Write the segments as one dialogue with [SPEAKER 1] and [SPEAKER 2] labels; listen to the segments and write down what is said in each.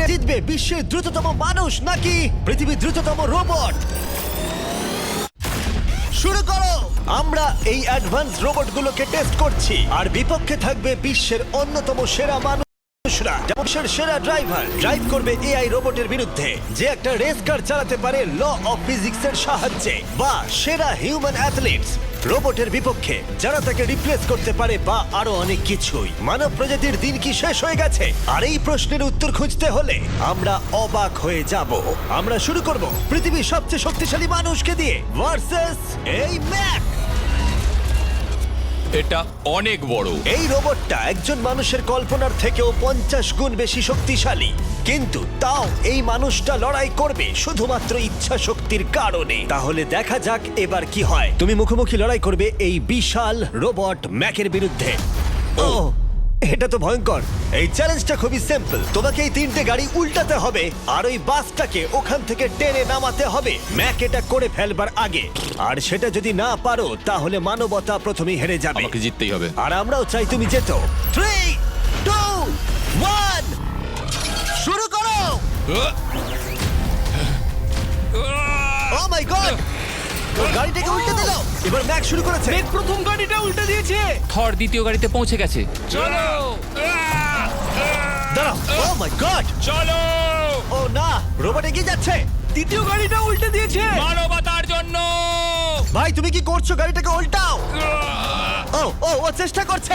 [SPEAKER 1] জিতবে বিশ্বের দ্রুততম মানুষ নাকি পৃথিবীর দ্রুততম রোবট? শুরু করো। আমরা এই অ্যাডভান্স রোবটগুলোকে টেস্ট করছি আর বিপক্ষে থাকবে বিশ্বের অন্যতম সেরা মানুষরা, বিশ্বের সেরা ড্রাইভার ড্রাইভ করবে এআই রোবটের বিরুদ্ধে যে একটা রেস কার চালাতে পারে ল অফ ফিজিক্সের সাহায্যে, বা সেরা হিউম্যান অ্যাথলিটস রোবটের বিপক্ষে যারা তাকে রিপ্লেস করতে পারে, বা আরো অনেক কিছুই। মানব প্রজাতির দিন কি শেষ হয়ে গেছে? আর এই প্রশ্নের উত্তর খুঁজতে হলে আমরা অবাক হয়ে যাব। আমরা শুরু করব পৃথিবীর সবচেয়ে শক্তিশালী মানুষকে দিয়ে ভার্সেস এই ম্যাক।
[SPEAKER 2] এটা অনেক বড়।
[SPEAKER 1] এই রোবটটা একজন মানুষের কল্পনার থেকেও 50 গুণ বেশি শক্তিশালী, কিন্তু তাও এই মানুষটা লড়াই করবে শুধুমাত্র ইচ্ছা শক্তির কারণে। তাহলে দেখা যাক এবার কি হয়। তুমি মুখোমুখি লড়াই করবে এই বিশাল রোবট ম্যাকের বিরুদ্ধে। ও, এটা তো ভয়ঙ্কর। এই চ্যালেঞ্জটা খুবই সিম্পল। তোমাকে এই 3টে গাড়ি উল্টাতে হবে আর ওই বাসটাকে ওখান থেকে টেনে নামাতে হবে ম্যাক এটা করে ফেলবার আগে। আর সেটা যদি না পারো তাহলে মানবতা প্রথমেই হেরে যাবে।
[SPEAKER 2] আমাকে জিততেই হবে।
[SPEAKER 1] আর আমরাও চাই তুমি যেতো। 3, 2, 1 শুরু করো। ও মাই গড, গাড়িটাকে উল্টে দিল। এবার ম্যাক শুরু করেছে।
[SPEAKER 3] প্রথম গাড়িটা উল্টে দিয়েছে।
[SPEAKER 4] থর দ্বিতীয় গাড়িতে পৌঁছে গেছে।
[SPEAKER 2] চলো
[SPEAKER 1] দাঁড়াও। ও মাই গড,
[SPEAKER 2] চলো,
[SPEAKER 1] ও না, রোবট এগিয়ে যাচ্ছে।
[SPEAKER 3] দ্বিতীয় গাড়িটা উল্টে দিয়েছে।
[SPEAKER 2] মানবতার জন্য।
[SPEAKER 1] ভাই তুমি কি করছো? গাড়িটাকে উল্টাও। ও ও ও চেষ্টা করছে।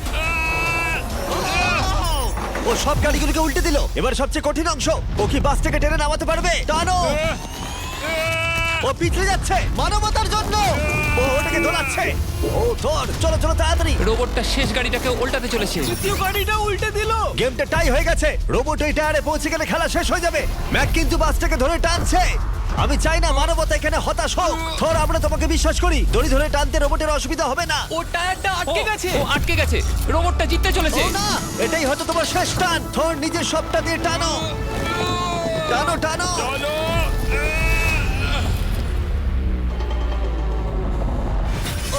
[SPEAKER 1] ও সব গাড়িগুলোকে উল্টে দিল। এবার সবচেয়ে কঠিন অংশ, ও কি বাসটাকে টেনে নামাতে পারবে? টানো। ও পিছলে যাচ্ছে মানবতার জন্য। ও ওটাকে দোলাচ্ছে। ও ধর, চলো চলো তাড়াতাড়ি।
[SPEAKER 4] রোবটটা শেষ গাড়িটাকে উল্টাতে চলেছে।
[SPEAKER 3] তৃতীয় গাড়িটা উল্টে দিল।
[SPEAKER 1] গেমটা টাই হয়ে গেছে। রোবট ওই টায়ারে পৌঁছে গেলে খেলা শেষ হয়ে যাবে। ম্যাক কিন্তু বাসটাকে ধরে টানছে। আমি চাই না মানবতা এখানে হতাশ হোক। থর, আমরা তোমাকে বিশ্বাস করি। দড়ি ধরে টানতে রোবটের অসুবিধা হবে না।
[SPEAKER 3] ও টায়ারটা আটকে গেছে।
[SPEAKER 4] ও আটকে গেছে। রোবটটা জিততে চলেছে।
[SPEAKER 1] ও না, এটাই হয়তো তোমার শেষ টান। থর নিজের সবটা দিয়ে টানো, টানো টানো।
[SPEAKER 2] চলো।
[SPEAKER 1] ও,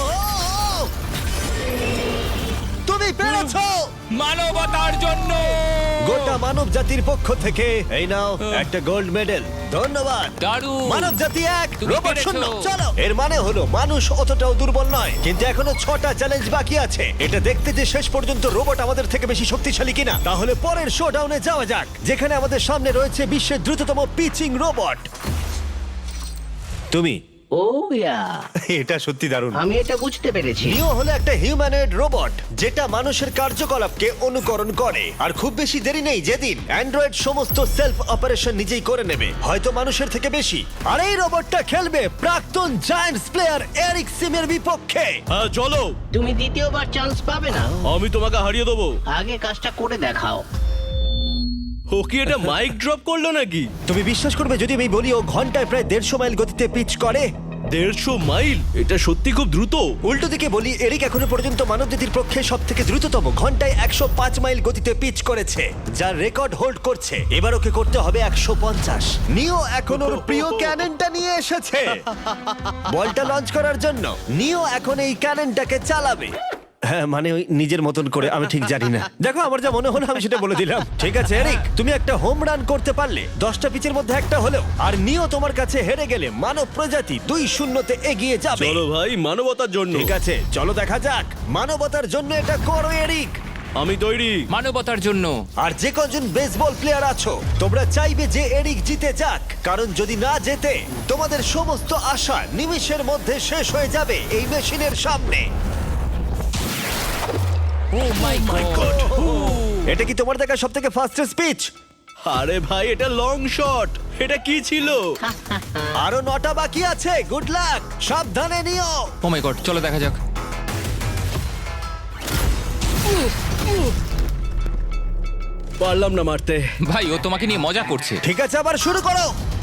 [SPEAKER 1] তুমি পেরেছো।
[SPEAKER 2] মানবতার জন্য।
[SPEAKER 1] গোটা মানব জাতির পক্ষ থেকে এই নাও একটা গোল্ড মেডেল। ধন্যবাদ।
[SPEAKER 4] দারুণ।
[SPEAKER 1] মানব জাতি এক,
[SPEAKER 4] তুমি
[SPEAKER 1] রোবট
[SPEAKER 4] পেরেছো।
[SPEAKER 1] শূন্য। চলো, এর মানে হলো মানুষ অতটাও দুর্বল নয়, কিন্তু এখনো 6টা চ্যালেঞ্জ বাকি আছে। এটা দেখতে যে শেষ পর্যন্ত রোবট আমাদের থেকে বেশি শক্তিশালী কিনা। তাহলে পরের শোডাউনে যাওয়া যাক, যেখানে আমাদের সামনে রয়েছে বিশ্বের দ্রুততম পিচিং রোবট। তুমি
[SPEAKER 5] ও ইয়া,
[SPEAKER 1] এটা সত্যি দারুণ।
[SPEAKER 5] আমি এটা বুঝতে পেরেছি।
[SPEAKER 1] নিও হলো একটা হিউম্যানয়েড রোবট যেটা মানুষের কার্যকলাপকে অনুকরণ করে। আর খুব বেশি দেরি নেই যেদিন অ্যান্ড্রয়েড সমস্ত সেলফ অপারেশন নিজেই করে নেবে, হয়তো মানুষের থেকে বেশি। আর এই রোবটটা খেলবে প্রাক্তন জায়ান্টস প্লেয়ার এরিক সিমের বিপক্ষে।
[SPEAKER 6] হ্যাঁ চলো,
[SPEAKER 5] তুমি দ্বিতীয়বার চান্স পাবে না।
[SPEAKER 6] আমি তোমাকে হারিয়ে দেবো।
[SPEAKER 5] আগে কাজটা করে দেখাও।
[SPEAKER 6] ও কি এটা মাইক ড্রপ করলো নাকি?
[SPEAKER 1] তুমি বিশ্বাস করবে যদি আমি বলি ও ঘন্টায় প্রায় 150 মাইল গতিতে পিচ করে?
[SPEAKER 6] 150 মাইল? এটা সত্যি খুব দ্রুত।
[SPEAKER 1] উল্টো দিকে বলি, এরিক এখনো পর্যন্ত মানবজাতির পক্ষে সব থেকে দ্রুততম ঘন্টায় 105 মাইল গতিতে পিচ করেছে, যার রেকর্ড হোল্ড করছে। এবার ওকে করতে হবে 150। নিও এখন ওর প্রিয় ক্যাননটা নিয়ে এসেছে বলটা লঞ্চ করার জন্য। নিও এখন এই ক্যাননটাকে চালাবে। হ্যাঁ, মানে ওই নিজের মতন করে, আমি ঠিক জানি না। দেখো, আমার যা মনে হলো আমি সেটা বলে দিলাম। ঠিক আছে এরিক, তুমি একটা হোম রান করতে পারলে 10টা পিচের মধ্যে একটা হলেও, আর নিও তোমার কাছে হেরে গেলে মানব প্রজাতি 2-0 এগিয়ে যাবে।
[SPEAKER 6] চলো ভাই, মানবতার জন্য।
[SPEAKER 1] ঠিক আছে, চলো দেখা যাক। মানবতার জন্য এটা করো এরিক।
[SPEAKER 6] আমি তৈরি।
[SPEAKER 4] মানবতার জন্য।
[SPEAKER 1] আর যে কজন বেসবল প্লেয়ার আছো, তোমরা চাইবে যে এরিক জিতে যাক, কারণ যদি না জেতে তোমাদের সমস্ত আশা নিমিষের মধ্যে শেষ হয়ে যাবে এই মেশিনের সামনে।
[SPEAKER 4] Oh my god.
[SPEAKER 1] এটা কি তোমার দেখা সব থেকে ফাস্টেস্ট স্পিচ?
[SPEAKER 6] আরে ভাই, এটা লং শট। এটা কি ছিল?
[SPEAKER 1] আরো 9টা বাকি আছে। গুড লাক, সাবধানে নিও।
[SPEAKER 4] ও মাই গড, চলো দেখা যাক।
[SPEAKER 6] পারলাম না মারতে।
[SPEAKER 4] ভাই, ও তোমাকে নিয়ে মজা করছে।
[SPEAKER 1] ঠিক আছে, আবার শুরু করো।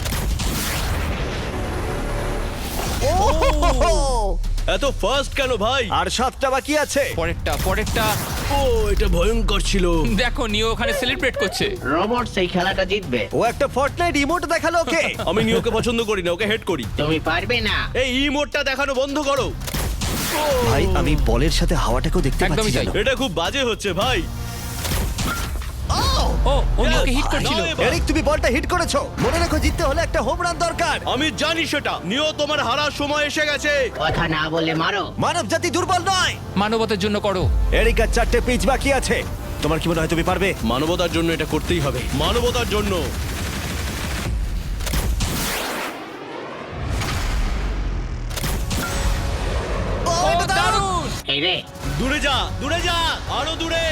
[SPEAKER 6] এত ফাস্ট কেন ভাই?
[SPEAKER 1] আর 7টা বাকি আছে।
[SPEAKER 4] পরেরটা।
[SPEAKER 6] ও, এটা ভয়ঙ্কর ছিল।
[SPEAKER 4] দেখো, নিও ওখানে সেলিব্রেট করছে।
[SPEAKER 5] রোবট সেই খেলাটা জিতবে।
[SPEAKER 1] ও একটা ফর্টনাইট ইমোট দেখালো ওকে।
[SPEAKER 6] আমি নিওকে পছন্দ করি না, ওকে হেড করি।
[SPEAKER 5] তুমি পারবে না।
[SPEAKER 6] এই ইমোটটা দেখানো বন্ধ করো।
[SPEAKER 1] ভাই, আমি বলের সাথে হাওয়াটাকেও দেখতে
[SPEAKER 4] একদমই
[SPEAKER 1] পাচ্ছি
[SPEAKER 4] তাই।
[SPEAKER 1] জানো।
[SPEAKER 6] এটা খুব বাজে হচ্ছে ভাই।
[SPEAKER 4] ও ওকে হিট করছিল।
[SPEAKER 6] নাও এবার।
[SPEAKER 1] এরিক, তুমি বলটা হিট করেছো। মনে রেখো, জিততে হলে একটা হোম রান দরকার।
[SPEAKER 6] আমি জানি সেটা। নিও, তোমার হারার সময় এসে গেছে।
[SPEAKER 5] কথা না বলে মারো।
[SPEAKER 1] মানব জাতি দুর্বল নয়।
[SPEAKER 4] মানবতার জন্য করো।
[SPEAKER 1] এরিক, আর 4টে পিচ বাকি আছে। তোমার কি মনে হয় তুমি পারবে?
[SPEAKER 6] মানবতার জন্য এটা করতেই হবে। মানবতার জন্য।
[SPEAKER 1] ও, এটা দারুণ!
[SPEAKER 5] এই রে,
[SPEAKER 6] দূরে যা, দূরে যা, আরো দূরে।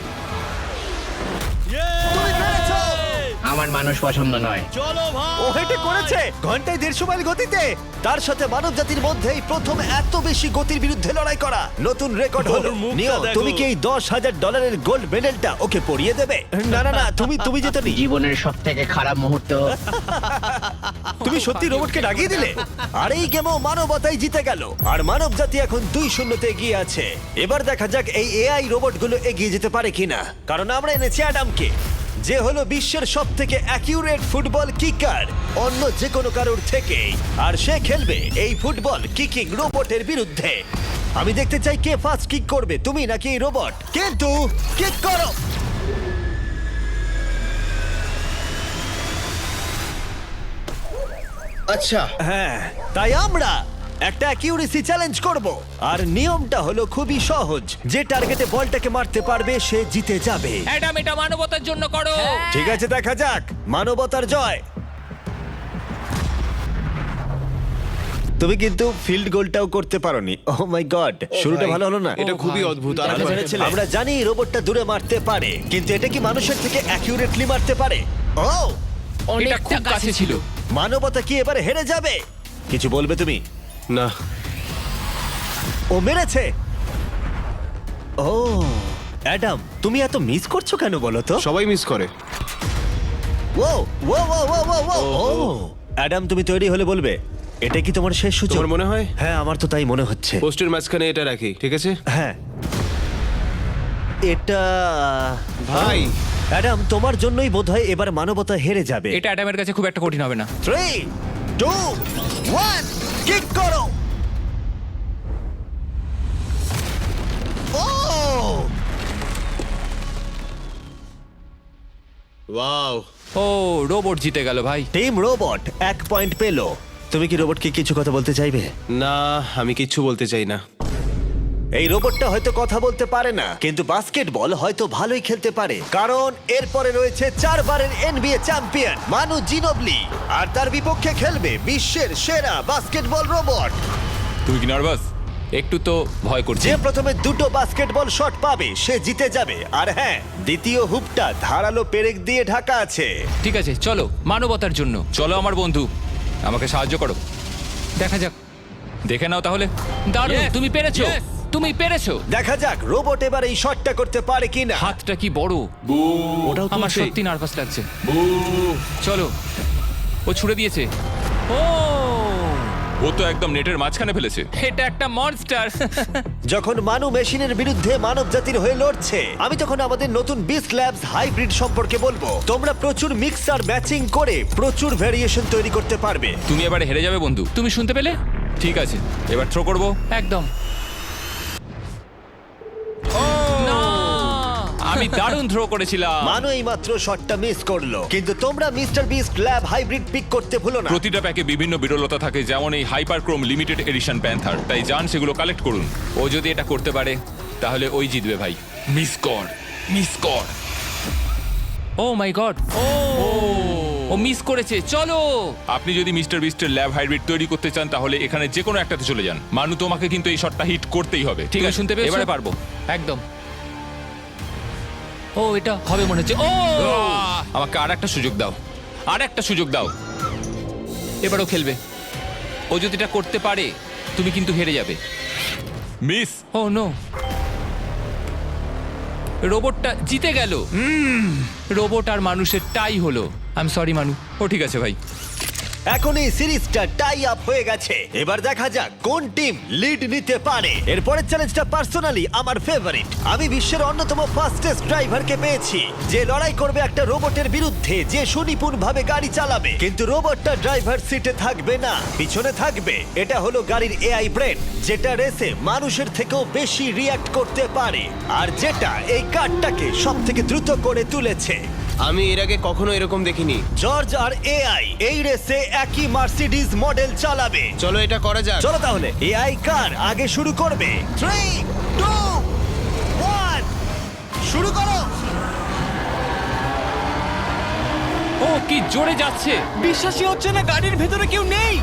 [SPEAKER 1] তুমি পেরেছো!
[SPEAKER 5] আমার মানুষ পছন্দ নয়।
[SPEAKER 6] চলো ভাই।
[SPEAKER 1] ও হেটে করেছে ঘন্টায় 150 মাইল গতিতে। তার সাথে মানব জাতির মধ্যেই প্রথম এত বেশি গতির বিরুদ্ধে লড়াই করা নতুন রেকর্ড হলো।
[SPEAKER 6] ওর মুখটা
[SPEAKER 1] নিও,
[SPEAKER 6] দেখো।
[SPEAKER 1] তুমি কি এই $10,000 গোল্ড মেডেলটা ওকে পরিয়ে দেবে? না না না, তুমি যেতে নি।
[SPEAKER 5] জীবনের সব থেকে খারাপ মুহূর্ত।
[SPEAKER 1] তুমি সত্যি রোবটকে ডাকিয়ে দিলে। আর এই গেমও মানবতাই জিতে গেল। আর মানব জাতি এখন 2-0 এগিয়ে আছে। এবার দেখা যাক এই এআই রোবটগুলো এগিয়ে যেতে পারে কিনা। কারণ আমরা এনেছি অ্যাডামকে, যে হলো বিশ্বের সব থেকে অ্যাকিউরেট ফুটবল কিকার অন্য যে কোনো কারোর থেকে। আর সে খেলবে এই ফুটবল কিকিং রোবটের বিরুদ্ধে। আমি দেখতে চাই কে ফার্স্ট কিক করবে, তুমি নাকি এই রোবট। কিন্তু কিক করো।
[SPEAKER 6] আচ্ছা,
[SPEAKER 1] হ্যাঁ, তাই আমরা একটা অ্যাকিউরেসি চ্যালেঞ্জ করব। আর নিয়মটা হলো খুবই সহজ, যে টার্গেটে বলটাকে মারতে পারবে সে জিতে যাবে।
[SPEAKER 4] অ্যাডাম, এটা মানবতার জন্য করো।
[SPEAKER 1] ঠিক আছে, দেখা যাক মানবতার জয়। তুমি কিন্তু ফিল্ড গোলটাও করতে পারোনি। ও মাই গড, শুরুটা ভালো হলো না।
[SPEAKER 6] এটা খুবই অদ্ভুত। আর
[SPEAKER 1] আমরা জেনেছিলাম। আমরা জানি রোবটটা দূরে মারতে পারে, কিন্তু এটা কি মানুষের থেকে অ্যাকিউরেটলি মারতে পারে? ও,
[SPEAKER 4] এটা খুব কাছে ছিল।
[SPEAKER 1] মানবতা কি এবারে হেরে যাবে? কিছু বলবে তুমি?
[SPEAKER 6] না,
[SPEAKER 1] ও মেরেছে। ও অ্যাডাম, তুমি এত মিস করছো কেন বলো তো?
[SPEAKER 6] সবাই মিস করে।
[SPEAKER 1] ও ও ও ও ও ও ও অ্যাডাম, তুমি তৈরি হলে বলবে। এটা কি তোমার শেষ সূচক?
[SPEAKER 6] তোমার মনে হয়?
[SPEAKER 1] হ্যাঁ, আমার তো তাই মনে হচ্ছে।
[SPEAKER 6] পোস্টের মাঝখানে এটা রাখি, ঠিক আছে?
[SPEAKER 1] হ্যাঁ, এটা
[SPEAKER 6] ভাই।
[SPEAKER 1] অ্যাডাম, তোমার জন্যই বোধহয় এবার মানবতা হেরে যাবে।
[SPEAKER 4] এটা অ্যাডামের কাছে খুব একটা কঠিন হবে না।
[SPEAKER 1] 3, 2, 1, কিক করো। ও,
[SPEAKER 6] ওয়াও।
[SPEAKER 4] ও, রোবট জিতে গেল ভাই।
[SPEAKER 1] টিম রোবট 1 পয়েন্ট পেলো। তুমি কি রোবটকে কিছু কথা বলতে চাইবে?
[SPEAKER 6] না, আমি কিচ্ছু বলতে চাই না।
[SPEAKER 1] এই রোবটটা হয়তো কথা বলতে পারে না, কিন্তু বাস্কেটবল হয়তো ভালোই খেলতে পারে। কারণ এরপরে রয়েছে 4 বারের NBA চ্যাম্পিয়ন মানু জিনোবলি, আর তার বিপক্ষে খেলবে বিশ্বের সেরা বাস্কেটবল রোবট।
[SPEAKER 4] তুমি কি নার্ভাস? একটু তো ভয় করছে।
[SPEAKER 1] যে প্রথমে 2টো বাস্কেটবল শট পাবে সে জিতে যাবে। আর হ্যাঁ, দ্বিতীয় হুপটা ধারালো পেরেক দিয়ে ঢাকা আছে।
[SPEAKER 4] ঠিক আছে, চলো মানবতার জন্য। চলো আমার বন্ধু, আমাকে সাহায্য করো। দেখা যাক, দেখে নাও তাহলে। দারুণ, তুমি পেরেছো, তুমি পেরেছো।
[SPEAKER 1] দেখা যাক রোবট এবার এই শটটা করতে পারে কিনা।
[SPEAKER 4] হাতটা কি বড়!
[SPEAKER 6] ওটাও
[SPEAKER 4] আমার
[SPEAKER 6] তুলছে।
[SPEAKER 4] সত্যি নার্ভাস লাগছে। চলো, ও ছুড়ে দিয়েছে। ও,
[SPEAKER 2] ও তো একদম নেটের মাঝখানে ফেলেছে।
[SPEAKER 4] এটা একটা মনস্টার।
[SPEAKER 1] যখন মানু মেশিনের বিরুদ্ধে মানব জাতির হয়ে লড়ছে, আমি তখন আমাদের নতুন বিস্ট ল্যাবস হাইব্রিড সম্পর্কে বলবো। তোমরা প্রচুর মিক্সার ম্যাচিং করে প্রচুর ভেরিয়েশন তৈরি করতে পারবে।
[SPEAKER 4] তুমি এবারে হেরে যাবে বন্ধু। তুমি শুনতে পেলে? ঠিক আছে, এবার থ্রো করবো। একদম। না! আমি দারুণ থ্রো করেছিলাম।
[SPEAKER 1] মানু এই মাত্র শটটা মিস করলো, কিন্তু তোমরা Mister Beast Lab hybrid pick করতে ভুলো না।
[SPEAKER 2] প্রতিটা প্যাকে বিভিন্ন বিরলতা থাকে, যেমন এই হাইপারক্রোম লিমিটেড এডিশন প্যান্থার। তাই যান সেগুলো কালেক্ট করুন।
[SPEAKER 4] ও যদি এটা করতে পারে তাহলে ওই জিতবে ভাই।
[SPEAKER 2] মিস কর, মিস কর।
[SPEAKER 4] ও মাই গড! ও মিস করেছে। চলো,
[SPEAKER 2] আপনি যদি মিস্টার বিস্টের ল্যাব হাইব্রিড তৈরি করতে চান তাহলে এখানে যে কোনো একটাতে চলে যান। মানু, তোমাকে কিন্তু এই শটটা হিট করতেই হবে।
[SPEAKER 4] ঠিক আছে, শুনতে পেয়েছো?
[SPEAKER 2] এবারে পারবো।
[SPEAKER 4] একদম। ও, এটা হবে মনে হচ্ছে। ও,
[SPEAKER 2] আমাকে আর একটা সুযোগ দাও, আর একটা সুযোগ দাও।
[SPEAKER 4] এবারও খেলবে। ও যদি এটা করতে পারে তুমি কিন্তু হেরে যাবে।
[SPEAKER 2] মিস।
[SPEAKER 4] ও নো, রোবটটা জিতে গেল। রোবট আর মানুষের টাই হলো। আই এম সরি মানু। ও ঠিক আছে ভাই।
[SPEAKER 1] এখন এই সিরিজটা টাই আপ হয়ে গেছে। এবার দেখা যাক কোন টিম লিড নিতে পারে। এরপরের চ্যালেঞ্জটা পার্সোনালি আমার ফেভারিট। আমি বিশ্বের অন্যতম ফাস্টেস্ট ড্রাইভারকে পেয়েছি, যে লড়াই করবে একটা রোবটের বিরুদ্ধে যে সুনিপুণ ভাবে গাড়ি চালাবে। কিন্তু রোবটটা ড্রাইভার সিটে থাকবে না, পিছনে থাকবে। এটা হলো গাড়ির এআই ব্রেন, যেটা রেসে মানুষের থেকেও বেশি রিয়্যাক্ট করতে পারে, আর যেটা এই কারটাকে সব থেকে দ্রুত করে তুলেছে।
[SPEAKER 6] আমি এর আগে কখনো এরকম দেখিনি।
[SPEAKER 1] জর্জ আর এআই এই রেসে একই মার্সিডিজ মডেল চালাবে।
[SPEAKER 6] চলো এটা করা যাক।
[SPEAKER 1] চলো তাহলে এআই কার আগে শুরু করবে। 3, 2, 1 শুরু করো।
[SPEAKER 4] ও কি জোরে যাচ্ছে!
[SPEAKER 3] বিশ্বাসই হচ্ছে না গাড়ির ভেতরে কেউ নেই।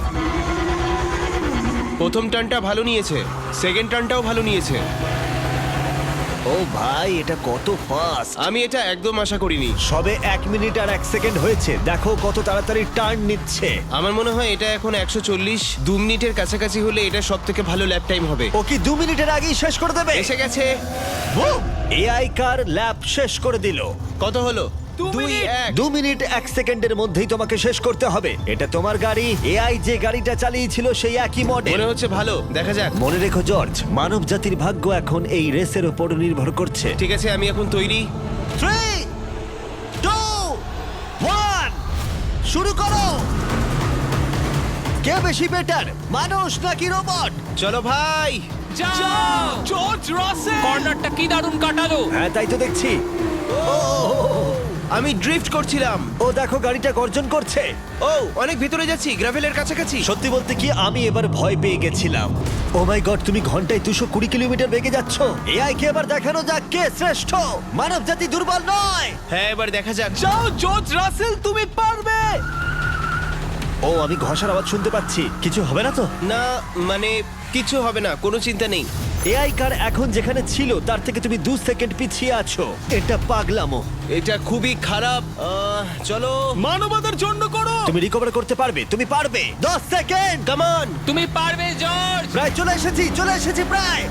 [SPEAKER 6] প্রথম টার্নটা ভালো নিয়েছে, সেকেন্ড টার্নটাও ভালো নিয়েছে।
[SPEAKER 1] ও ভাই, এটা কত ফাস্ট!
[SPEAKER 6] আমি এটা একদম আশা করিনি।
[SPEAKER 1] সবে 1 মিনিট আর 1 সেকেন্ড হয়েছে, দেখো কত তাড়াতাড়ি টার্ন নিচ্ছে।
[SPEAKER 6] আমার মনে হয় এটা এখন 140, 2 মিনিটের কাছাকাছি হলে এটা সব থেকে ভালো ল্যাপ টাইম হবে।
[SPEAKER 1] ও কি 2 মিনিটের আগেই শেষ করে দেবে?
[SPEAKER 6] এসে গেছে।
[SPEAKER 1] এআই কার ল্যাব শেষ করে দিল।
[SPEAKER 6] কত হলো?
[SPEAKER 3] 2 মিনিট।
[SPEAKER 1] 2 মিনিট 1 সেকেন্ডের মধ্যেই তোমাকে শেষ করতে হবে। এটা তোমার গাড়ি। এআই যে গাড়িটা চালিয়েছিল সেই একই মডেল।
[SPEAKER 6] মনে হচ্ছে ভালো, দেখা যাক।
[SPEAKER 1] মনে রেখো জর্জ, মানব জাতির ভাগ্য এখন এই রেসের উপর নির্ভর করছে।
[SPEAKER 6] ঠিক আছে, আমি এখন তৈরি।
[SPEAKER 1] 3, 2, 1 শুরু করো। কে বেশি বেটার, মানুষ নাকি রোবট?
[SPEAKER 6] চলো ভাই।
[SPEAKER 4] যাও!
[SPEAKER 3] জর্জ রাসেল।
[SPEAKER 4] কর্নারটা কি দারুণ কাটালো!
[SPEAKER 1] হ্যাঁ, তাই তো দেখছি।
[SPEAKER 6] আমি ড্রিফট করছিলাম।
[SPEAKER 1] ও দেখো, গাড়িটা গর্জন করছে।
[SPEAKER 6] ও অনেক ভিতরে যাচ্ছি, গ্রাভেলের কাছাকাছি।
[SPEAKER 1] সত্যি বলতে কি, আমি এবার ভয় পেয়ে গেছিলাম। ও মাই গড, তুমি ঘন্টায় 220 কিলোমিটার বেগে যাচ্ছ। এআই কে এবার দেখানো যাক কে শ্রেষ্ঠ। মানব জাতি দুর্বল নয়।
[SPEAKER 6] হ্যাঁ, এবার দেখা যাক।
[SPEAKER 3] যাও জর্জ রাসেল, তুমি পারবে।
[SPEAKER 1] ও, আমি ঘষার আওয়াজ শুনতে পাচ্ছি। কিছু হবে না তো?
[SPEAKER 6] না, মানে কিছু হবে না, কোনো চিন্তা নেই।
[SPEAKER 1] এআই কার এখন যেখানে ছিল তার থেকে তুমি 2 সেকেন্ড পিছিয়ে আছো। এটা পাগলামো।
[SPEAKER 6] এটা খুবই খারাপ। চলো।
[SPEAKER 3] মানবতার জন্য করো।
[SPEAKER 1] তুমি রিকভার করতে পারবে, তুমি পারবে। 10 সেকেন্ড,
[SPEAKER 6] কাম অন।
[SPEAKER 4] তুমি পারবে জর্জ!
[SPEAKER 1] প্রায় চলে এসেছি প্রায়।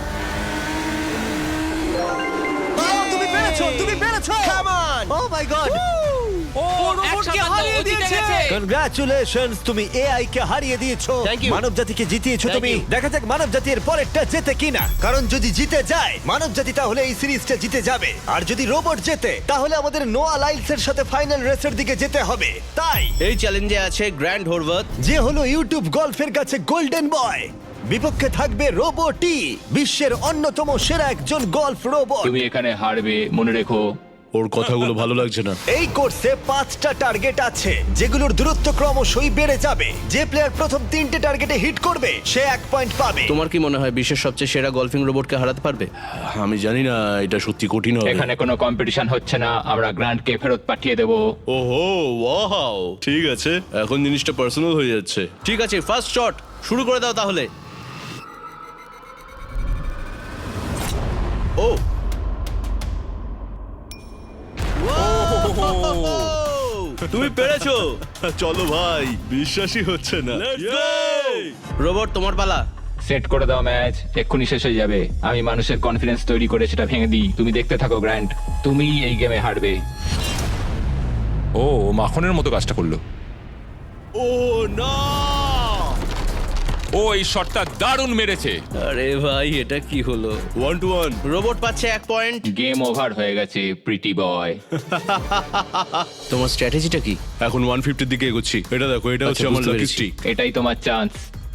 [SPEAKER 1] ও, তুমি পেরেছো, তুমি পেরেছো।
[SPEAKER 6] Come on.
[SPEAKER 1] O my god,
[SPEAKER 4] ও
[SPEAKER 3] রোবটকে
[SPEAKER 4] একসাথে
[SPEAKER 3] হারিয়ে
[SPEAKER 4] ও জিতে
[SPEAKER 3] দিয়েছে।
[SPEAKER 4] গেছে।
[SPEAKER 1] কনগ্রাচুলেশনস, তুমি এআই কে হারিয়ে দিয়েছো।
[SPEAKER 6] Thank you.
[SPEAKER 1] মানব জাতিকে জিতিয়েছো
[SPEAKER 6] Thank
[SPEAKER 1] তুমি।
[SPEAKER 6] you.
[SPEAKER 1] দেখা যাক মানব জাতি এর পরেরটা জেতে কিনা। কারণ যদি জিতে যায় মানব জাতি, তাহলে এই সিরিজটা জিতে যাবে। আর যদি রোবট জেতে, তাহলে আমাদের নোয়া লাইলস এর সাথে ফাইনাল রেসের দিকে যেতে হবে। তাই
[SPEAKER 6] এই চ্যালেঞ্জে আছে গ্র্যান্ড হোরভাত।
[SPEAKER 1] যে হলো ইউটিউব গল্ফের কাছে গোল্ডেন বয়, বিপক্ষে থাকবে রোবটি, বিশ্বের অন্যতম সেরা একজন গল্ফ রোবট।
[SPEAKER 4] তুমি এখানে হারবে, মনে রেখো।
[SPEAKER 7] ওর কথাগুলো ভালো লাগছে না।
[SPEAKER 1] এই কোর্সে 5টা টার্গেট আছে, যেগুলোর দূরত্ব ক্রমশই বেড়ে যাবে। যে প্লেয়ার প্রথম 3টে টার্গেটে হিট করবে সে 1 পয়েন্ট পাবে।
[SPEAKER 6] তোমার কি মনে হয় বিশ্বের সবচেয়ে সেরা গলফিং রোবটকে হারাতে পারবে?
[SPEAKER 7] আমি জানি না, এটা সত্যি কঠিন হবে।
[SPEAKER 4] এখানে কোনো কম্পিটিশন হচ্ছে না, আমরা গ্র্যান্ডকে ফেরত পাঠিয়ে দেবো।
[SPEAKER 7] ওহো, ওয়াও, ঠিক আছে, এখন জিনিসটা পার্সোনাল হয়ে যাচ্ছে।
[SPEAKER 6] ঠিক আছে, ফার্স্ট শট শুরু করে দাও তাহলে। ও তুমি পেরেছো।
[SPEAKER 7] চলো ভাই, বিশ্বাসই হচ্ছে না।
[SPEAKER 6] রোবট, তোমার পালা।
[SPEAKER 4] সেট করে দাও ম্যাচ, এক্ষুনি শেষ হয়ে যাবে। আমি মানুষের কনফিডেন্স তৈরি করে সেটা ভেঙে দিই। তুমি দেখতে থাকো গ্র্যান্ড, তুমি এই গেমে হারবে।
[SPEAKER 2] ও মাখনের মতো কাজটা করলো।
[SPEAKER 7] ও না!
[SPEAKER 2] ও এই শটটা দারুণ মেরেছে।
[SPEAKER 6] আরে ভাই, এটা কি হলো?
[SPEAKER 7] 1-1।
[SPEAKER 6] রোবট পাচ্ছে 1 পয়েন্ট।
[SPEAKER 4] গেম ওভার হয়ে গেছে প্রিটি বয়।
[SPEAKER 6] তোমার স্ট্র্যাটেজিটা কি?
[SPEAKER 7] এখন 150 দিকে এগোচ্ছি। এটা দেখো, এটা হচ্ছে আমার
[SPEAKER 6] বুঝতে
[SPEAKER 7] লাকি
[SPEAKER 6] পেরেছি।
[SPEAKER 7] স্ট্রিক।
[SPEAKER 4] এটাই তোমার chance.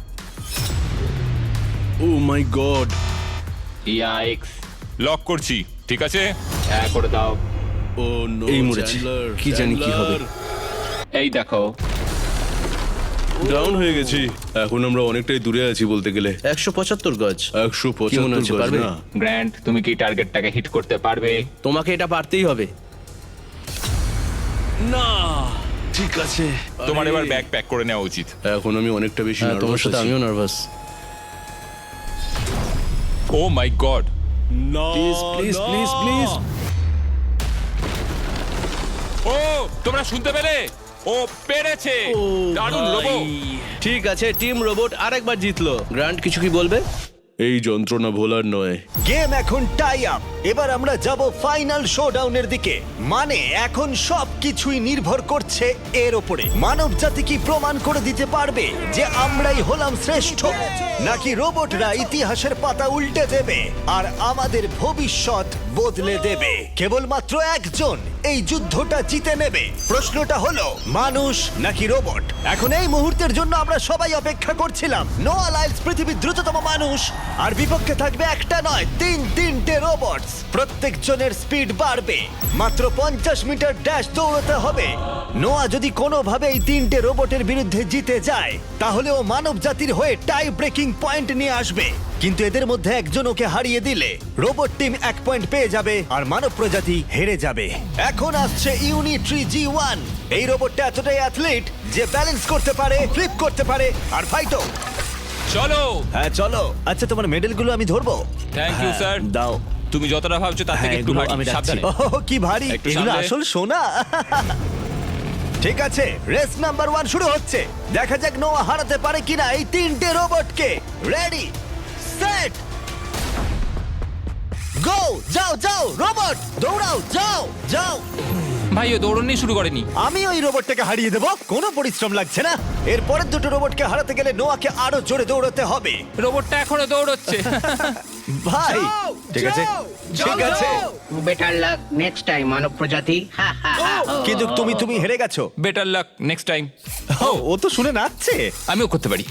[SPEAKER 7] Oh my god!
[SPEAKER 4] Yikes!
[SPEAKER 2] Lock করছি, ঠিক আছে?
[SPEAKER 4] হ্যাঁ, করে দাও।
[SPEAKER 7] Oh no!
[SPEAKER 6] এই মরেছি। কি জানি কি হবে।
[SPEAKER 4] এই দেখো,
[SPEAKER 7] ডাউন হয়ে গেছি। এখন আমরা অনেকটাই দূরে আছি বলতে গেলে।
[SPEAKER 6] 175 গজ। কি মনে
[SPEAKER 7] 175
[SPEAKER 6] হচ্ছে,
[SPEAKER 7] গজ
[SPEAKER 6] পারবে?
[SPEAKER 7] না।
[SPEAKER 4] গ্র্যান্ড তুমি কি টার্গেটটাকে হিট করতে পারবে?
[SPEAKER 6] তোমাকে এটা পারতেই হবে।
[SPEAKER 7] না, ঠিক আছে।
[SPEAKER 2] তোমার
[SPEAKER 7] আরে,
[SPEAKER 2] এবার ব্যাগ প্যাক করে নেওয়া উচিত।
[SPEAKER 7] এখন আমি অনেকটা বেশি
[SPEAKER 6] হ্যাঁ, তোমার
[SPEAKER 7] নার্ভাস
[SPEAKER 6] সাথে
[SPEAKER 7] আছি।
[SPEAKER 6] আমিও নার্ভাস।
[SPEAKER 2] Oh my god!
[SPEAKER 7] না,
[SPEAKER 6] Please, please,
[SPEAKER 7] না।
[SPEAKER 6] please, please.
[SPEAKER 2] ও তোমরা শুনতে পেলে? ও পেরেছে! দারুণ রোবো।
[SPEAKER 6] ঠিক আছে, টিম রোবট আরেকবার জিতলো। গ্র্যান্ড কিছু কি বলবে?
[SPEAKER 7] এই যন্ত্রণা ভোলার নয়।
[SPEAKER 1] গেম এখন টাই আপ। এবার আমরা যাব ফাইনাল শোডাউনের দিকে। মানে এখন সবকিছুই নির্ভর করছে এর উপরে। মানব জাতি কি প্রমাণ করে দিতে পারবে যে আমরাই হলাম শ্রেষ্ঠ, নাকি রোবটরা ইতিহাসের পাতা উল্টে দেবে আর আমাদের ভবিষ্যৎ বদলে দেবে। কেবলমাত্র একজন এই যুদ্ধটা জিতে নেবে। প্রশ্নটা হলো মানুষ নাকি রোবট। এখন এই মুহূর্তের জন্য আমরা সবাই অপেক্ষা করছিলাম। নোয়া লাইলস পৃথিবীর দ্রুততম মানুষ, আর বিপক্ষে থাকবে একটা নয় তিনটে রোবটস। প্রত্যেকজনের স্পিড বাড়বে। মাত্র 50 মিটার ড্যাশ দৌড়তে হবে। নোয়া যদি কোনোভাবে এই তিনটে রোবটের বিরুদ্ধে জিতে যায়, তাহলে ও মানব জাতির হয়ে টাই ব্রেকিং পয়েন্ট নিয়ে আসবে। কিন্তু এদের মধ্যে একজন ওকে হারিয়ে দিলে রোবট টিম 1 পয়েন্ট পেয়ে যাবে আর মানব প্রজাতি হেরে যাবে। এখন আসছে ইউনিট্রি G1। এই রোবটটা এতটাই অ্যাথলিট যে ব্যালেন্স করতে পারে, ফ্লিপ করতে পারে আর ফাইটও।
[SPEAKER 2] চলো।
[SPEAKER 1] হ্যাঁ চলো। আচ্ছা, তোমার মেডেলগুলো আমি ধরবো?
[SPEAKER 2] Thank you,
[SPEAKER 1] হ্যাঁ,
[SPEAKER 2] sir.
[SPEAKER 1] দাও।
[SPEAKER 2] তুমি যতটা ভাবছো তার থেকে
[SPEAKER 1] হ্যাঁ,
[SPEAKER 2] একটু
[SPEAKER 1] এগুলো
[SPEAKER 2] ভারী।
[SPEAKER 1] আমি রাখছি।
[SPEAKER 2] সাবধানে।
[SPEAKER 1] ওহ, কি ভারী!
[SPEAKER 2] একটু
[SPEAKER 1] এগুলো
[SPEAKER 2] সামলে।
[SPEAKER 1] আসল সোনা। ঠিক আছে, রেস নাম্বার 1 শুরু হচ্ছে। দেখা যাক নোয়া হারাতে পারে কিনা এই তিনটে রোবটকে। Ready, set, go! যাও যাও রোবট, দৌড়াও, যাও যাও।
[SPEAKER 4] ভাই ও দৌড়নি শুরু করেনি।
[SPEAKER 1] আমি ওই রোবটটাকে হারিয়ে দেব, কোনো পরিশ্রম লাগছে না। এর পরের দুটো রোবটকে হারাতে গেলে নোয়াকে আরো জোরে দৌড়াতে হবে।
[SPEAKER 4] রোবটটা এখনো দৌড়চ্ছে।
[SPEAKER 1] ভাই,
[SPEAKER 3] যাও,
[SPEAKER 1] ঠিক আছে,
[SPEAKER 3] যাও,
[SPEAKER 1] ঠিক
[SPEAKER 3] যাও,
[SPEAKER 1] আছে।
[SPEAKER 3] যাও।
[SPEAKER 5] বেটার লাক নেক্সট টাইম মানব প্রজাতি। হা, হা, হা।
[SPEAKER 1] কিন্তু তুমি হেরে গেছো।
[SPEAKER 4] Better luck next time.
[SPEAKER 1] ও তো শুনে নাচছে।
[SPEAKER 4] আমিও করতে পারি।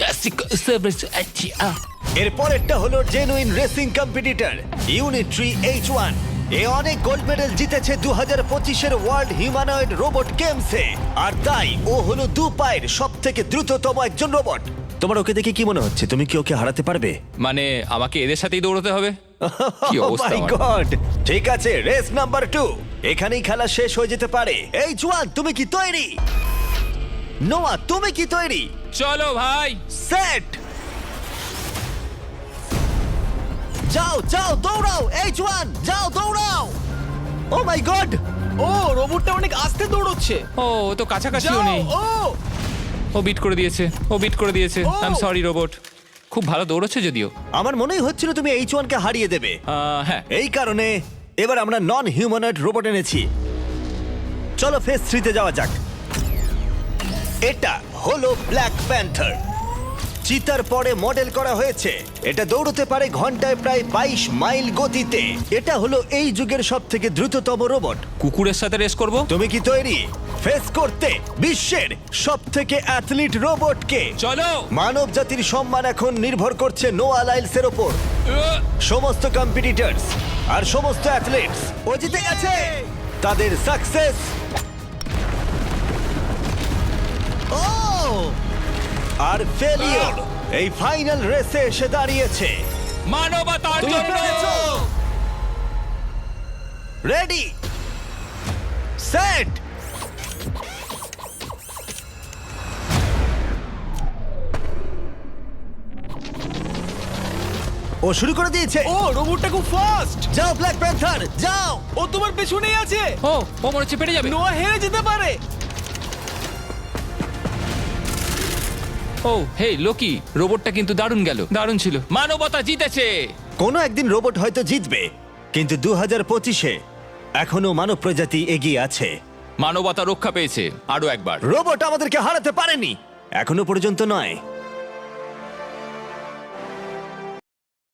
[SPEAKER 1] এর পরেরটা হলো genuine racing competitor Unitree H1। এ অনেক গোল্ড মেডেল জিতেছে 2025-এর ওয়ার্ল্ড হিউম্যানয়েড রোবট গেমসে, আর তাই ও হলো 2 পায়ের সবথেকে দ্রুততম একজন রোবট। তোমার ওকে দেখে কি মনে হচ্ছে? তুমি কি ওকে হারাতে পারবে?
[SPEAKER 4] মানে আমাকে এদের সাথেই দৌড়তে হবে? কি অবস্থা
[SPEAKER 1] মাই
[SPEAKER 4] আমার।
[SPEAKER 1] গড! ঠিক আছে, রেস নাম্বার 2। এখানেই খেলা শেষ হয়ে যেতে পারে। H1, তুমি কি তৈরি? নোয়া, তুমি কি তৈরি?
[SPEAKER 4] চলো ভাই।
[SPEAKER 1] সেট, যাও যাও দৌড়াও। H1, যাও দৌড়াও। ও মাই গড!
[SPEAKER 3] ও রোবটটা অনেক আস্তে দৌড়চ্ছে।
[SPEAKER 4] ও ও তো কাছাকাছিও
[SPEAKER 3] যাও,
[SPEAKER 4] নেই। ও বিট করে দিয়েছে, ও বিট করে দিয়েছে।
[SPEAKER 3] ও।
[SPEAKER 4] I am sorry robot. খুব ভালো দৌড়চ্ছে যদিও।
[SPEAKER 1] আমার মনেই হচ্ছিল তুমি H1 কে হারিয়ে দেবে।
[SPEAKER 4] হ্যাঁ।
[SPEAKER 1] এই কারণে এবার আমরা নন হিউম্যানয়েড রোবট এনেছি। চলো ফেজ 3 তে যাওয়া যাক। এটা হলো ব্ল্যাক প্যান্থার। চিতার পরে মডেল করা হয়েছে। এটা দৌড়তে পারে ঘন্টায় প্রায় 22 মাইল গতিতে। এটা হলো এই যুগের সবথেকে দ্রুততম রোবট।
[SPEAKER 4] কুকুরের সাথে রেস করব।
[SPEAKER 1] তুমি কি তৈরি ফেস করতে বিশ্বের সবথেকে অ্যাথলিট রোবটকে?
[SPEAKER 4] চলো।
[SPEAKER 1] মানব জাতির সম্মান এখন নির্ভর করছে নোয়া লাইলসের ওপর। সমস্ত কম্পিটিটরস আর সমস্ত অ্যাথলিটস ও জিতে গেছে। তাদের সাকসেস ও আর ফেলিওর এই ফাইনাল রেসে এসে দাঁড়িয়েছে।
[SPEAKER 4] মানবতার
[SPEAKER 1] তুমি
[SPEAKER 4] জন্য।
[SPEAKER 1] পেরেছো। রেডি, সেট, ও শুরু করে দিয়েছে।
[SPEAKER 3] ও রোবটটা খুব ফাস্ট।
[SPEAKER 1] যাও ব্ল্যাক প্যান্থার, যাও।
[SPEAKER 3] ও তোমার পেছনেই আছে।
[SPEAKER 4] ও ও মনে হচ্ছে পেরে যাবে।
[SPEAKER 3] নোয়া হেরে যেতে পারে।
[SPEAKER 4] ও হে লোকি, রোবটটা কিন্তু দারুণ গেল, দারুণ ছিল। মানবতা জিতেছে।
[SPEAKER 1] কোনো একদিন রোবট হয়তো জিতবে, কিন্তু 2025-এ এখনো মানব প্রজাতি এগিয়ে আছে।
[SPEAKER 4] মানবতা রক্ষা পেয়েছে আরো একবার।
[SPEAKER 1] রোবট আমাদেরকে হারাতে পারেনি, এখনো পর্যন্ত নয়।